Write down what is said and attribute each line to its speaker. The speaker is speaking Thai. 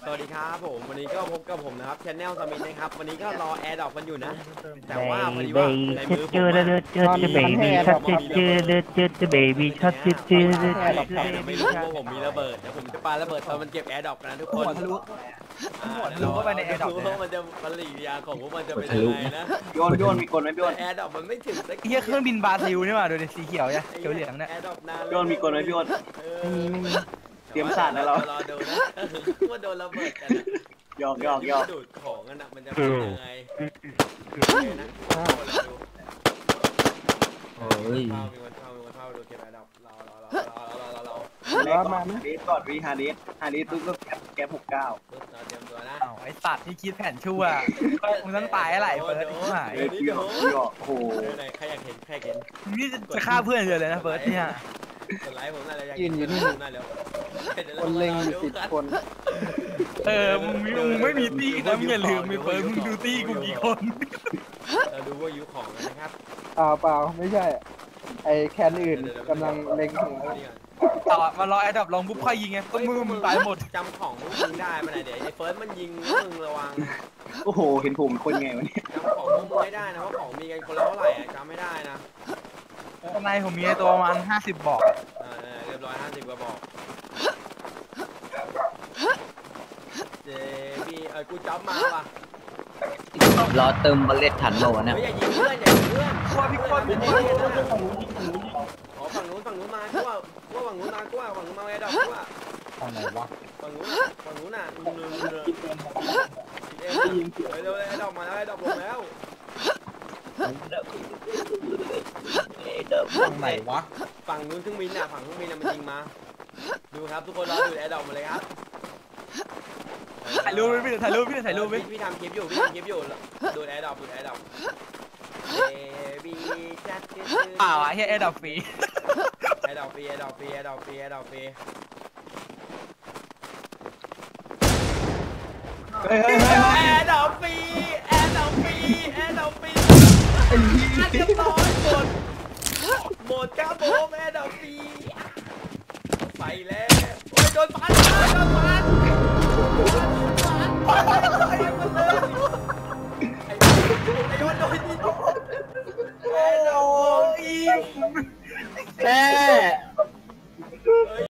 Speaker 1: สวัสดีครับผมวันนี้ก็พบกับผมนะครับชแนลสมิธนะครับวันนี้ก็รอแอร์ดรอปกันอยู่นะแต่ว่าพอดีว่าในมือผมไม่รู้ว่าผมมีระเบิดเดี๋ยวผมจะปาระเบิดตอนมันเก็บแอร์ดรอปกันนะทุกคน
Speaker 2: หัวทะลุเข้าไปในแอร์ดรอป
Speaker 1: ว่ามันจะปฏิกิริยาของพวกมันจะเป็นยังไงนะ
Speaker 3: โยนมีกลไหมพี่อ้น
Speaker 1: แอร์ดรอปมันไม่ถึงสัก
Speaker 2: เฮียเครื่องบินบราซิลนี่หว่าดูดิสีเขียวเนี่ยเขียวเหลืองเนี่ย
Speaker 1: แอร์ดรอปนาน
Speaker 3: พี่อ้นมีกลไหมพี่อ้นเตรียมสาดนะเรา
Speaker 1: รอดูนะว่าโดนระเบิดกัน
Speaker 3: หยอก
Speaker 1: ดูดของกันนะมันจะเป็นยังไงนะ
Speaker 4: โอ้ย
Speaker 1: มีวันเข้าดูเก็บแอร์ดรอปรอ
Speaker 3: มาเดสก่อนวีฮาเดสตุ๊กก็แก๊ป69
Speaker 1: เตรียมตัวนะ
Speaker 2: ไอสัตว์ที่คิดแผนชั่วมึงต้องตายอะไรเฟิร์สที่หาย
Speaker 3: หยอกโอ้โห
Speaker 1: ใครอยากเห็น
Speaker 2: นี่จะฆ่าเพื่อนเลยนะเฟิร์สเนี่ย
Speaker 1: กดไลค์ผมน่าจะ
Speaker 4: ยืนอยู่นี่คนเล็งอยู่10 คน
Speaker 2: มึงไม่มีตี้นะมึงอย่าลืมไปเฟิร์สมึงดูตี้กูกี่คน
Speaker 1: เราดูว่ายุของนะครับ
Speaker 4: เปล่าไม่ใช่ไอแคนอื่นกำลังเล็งถึง
Speaker 2: ต่อมารอไอ้ดับลองปุ๊บค่อยยิงไงต้นมือมึงตายหมด
Speaker 1: จำของมึงได้มาไหนเดี๋ยวไอ้เฟิร์สมันยิงมึงระวัง
Speaker 3: โอ้โหเห็นผมคนไงวะเนี่ย
Speaker 1: จำของมึงไม่ได้นะว่าของมีกันคนละเท่าไหร่จำไม่ได้นะ
Speaker 2: ข้างในผมมีตัวประมาณ50 บอก
Speaker 1: เรียบร้อย50 กว่าบอกเจพี่กูจับมาป่ะ
Speaker 4: รอเติมบอลเลตถันโหลนะ
Speaker 1: อย่ายิงเพื่อนว่าพี่คนเป็นฝั่งนู้นมากูว่าฝั่งนู้นมาไอ้ดอกกูว่า
Speaker 4: ฝั่งไหนวะ
Speaker 1: ฝั่งนู้นน่ะเร็วไอ้ดอกมาแล้วไอ้ดอกลงแล้ว
Speaker 4: ฝั่งไหนวะ
Speaker 1: ฝั่งนู้นเครื่องบินน่ะมันยิงมาดูครับทุกคนรอดูแอร์ดรอปมาเลยครับ
Speaker 2: ถ่ายรูปพี่ถ่ายรูป
Speaker 1: พี่ทำคลิปอยู่ดูแอร์ดรอป
Speaker 2: เปล่าไอ้แอร์ดรอปฟรี
Speaker 1: แอร์ดรอปฟรีแอร์ดรอปฟรีแอร์ดรอปฟรีแอร์ดรอปฟรีเรียบร้อยหมดครับผมแอร์ดรอปฟรีไปแล้วโอ้ยโดนฟัน